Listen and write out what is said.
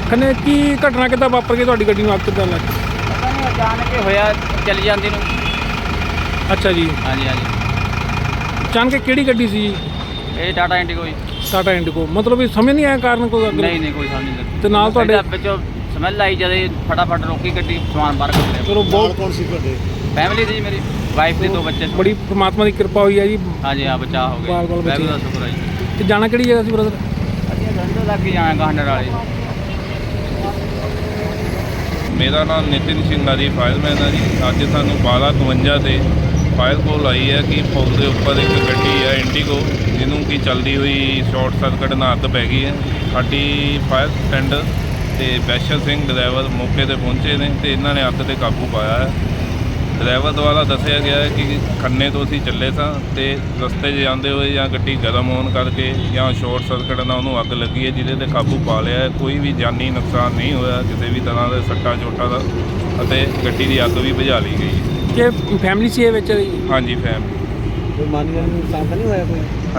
ਖੰਨੇ ਕੀ ਘਟਨਾ ਕਿੱਦਾਂ ਵਾਪਰ ਗਈ, ਤੁਹਾਡੀ ਗੱਡੀ ਨੂੰ ਅੱਗ ਕਿੱਦਾਂ ਲੱਗ? ਪਤਾ ਨਹੀਂ ਅਚਾਨਕ ਹੀ ਹੋਇਆ ਚੱਲੀ ਜਾਂਦੀ ਨੂੰ। ਅੱਛਾ ਜੀ, ਹਾਂਜੀ ਹਾਂਜੀ, ਅਚਾਨਕ ਕਿਹੜੀ ਗੱਡੀ ਸੀ ਜੀ? ਇਹ ਟਾਟਾ ਇੰਡੀਗੋ ਜੀ। ਟਾਟਾ ਇੰਡੀਗੋ, ਮਤਲਬ ਇਹ ਸਮਝ ਨਹੀਂ ਆਇਆ ਕਾਰਨ ਕੋਈ ਅੱਗ? ਨਹੀਂ ਕੋਈ ਸਮਝ ਨਹੀਂ ਲੱਗੀ। ਤੇ ਨਾਲ ਤੁਹਾਡੇ ਵਿੱਚੋਂ ਸਮੈਲ ਆਈ ਜਦੇ ਫਟਾਫਟ ਰੋਕੀ ਗੱਡੀ, ਸਮਾਨ ਬਾਹਰ ਕੱਢ ਲਿਆ। ਚਲੋ ਬਹੁਤ ਕੌਣ ਸੀ ਤੁਹਾਡੇ? ਫੈਮਿਲੀ ਦੀ ਮੇਰੀ ਵਾਈਫ ਦੇ 2 ਬੱਚੇ। ਬੜੀ ਪ੍ਰਮਾਤਮਾ ਦੀ ਕਿਰਪਾ ਹੋਈ ਹੈ ਜੀ। ਹਾਂਜੀ ਹਾਂ, ਬਚਾਅ ਹੋ ਗਿਆ, ਬਾਲ-ਬਾਲ ਬਚੇ। ਵਾਹਿਗੁਰੂ ਦਾ ਸ਼ੁਕਰ ਹੈ ਜੀ। ਤੇ ਜਾਣਾ ਕਿਹੜੀ ਜਗ੍ਹਾ ਸੀ ਬ੍ਰਦਰ? ਅਸੀਂ ਗੰਢੇ ਲੱਗ ਕੇ ਜਾਣਾ ਗਾਂਡਰ ਵਾਲੇ। ਮੇਰਾ ਨਾਮ ਨਿਤਿਨ ਸਿੰਘ ਆ ਜੀ, ਫਾਇਰਮੈਨ ਆ ਜੀ। ਅੱਜ ਸਾਨੂੰ 12:52 ਤੇ ਫਾਇਰ ਕੋਲ ਆਈ ਹੈ ਕਿ ਪੁਲ ਦੇ ਉੱਪਰ ਇੱਕ ਗੱਡੀ ਹੈ ਇੰਡੀਗੋ, ਜਿਹਨੂੰ ਕਿ ਚੱਲਦੀ ਹੋਈ ਸ਼ਾਰਟ ਸਰਕਟ ਨਾਲ ਅੱਗ ਪੈ ਗਈ ਹੈ। ਸਾਡੀ ਫਾਇਰ ਟੈਂਡਰ ਤੇ ਬੈਸ਼ਰ ਸਿੰਘ ਡਰਾਈਵਰ ਮੌਕੇ 'ਤੇ ਪਹੁੰਚੇ ਨੇ ਤੇ ਇਹਨਾਂ ਨੇ ਅੱਗ 'ਤੇ ਕਾਬੂ ਪਾਇਆ ਹੈ। ਡਰਾਈਵਰ ਦੁਆਰਾ ਦੱਸਿਆ ਗਿਆ ਹੈ ਕਿ ਖੰਨੇ ਤੋਂ ਅਸੀਂ ਚੱਲੇ ਸਾਂ ਤੇ ਰਸਤੇ 'ਚ ਜਾਂਦੇ ਹੋਏ ਜਾਂ ਗੱਡੀ ਗਰਮ ਹੋਣ ਕਰਕੇ ਜਾਂ ਸ਼ਾਰਟ ਸਰਕਟ ਨਾਲ ਉਹਨੂੰ ਅੱਗ ਲੱਗੀ ਹੈ, ਜਿਹਦੇ 'ਤੇ ਕਾਬੂ ਪਾ ਲਿਆ ਹੈ। ਕੋਈ ਵੀ ਜਾਨੀ ਨੁਕਸਾਨ ਨਹੀਂ ਹੋਇਆ ਕਿਸੇ ਵੀ ਤਰ੍ਹਾਂ ਦੇ ਸੱਟਾਂ ਚੋਟਾਂ ਦਾ, ਅਤੇ ਗੱਡੀ ਦੀ ਅੱਗ ਵੀ ਬੁਝਾ ਲਈ ਗਈ ਹੈ। ਕਿ ਫੈਮਿਲੀ ਸੀ ਇਹ ਵਿੱਚ? ਹਾਂਜੀ, ਫੈਮਿਲੀ। ਕੋਈ ਮਾਨੀ ਨੁਕਸਾਨ ਤਾਂ ਨਹੀਂ ਹੋਇਆ ਕੋਈ?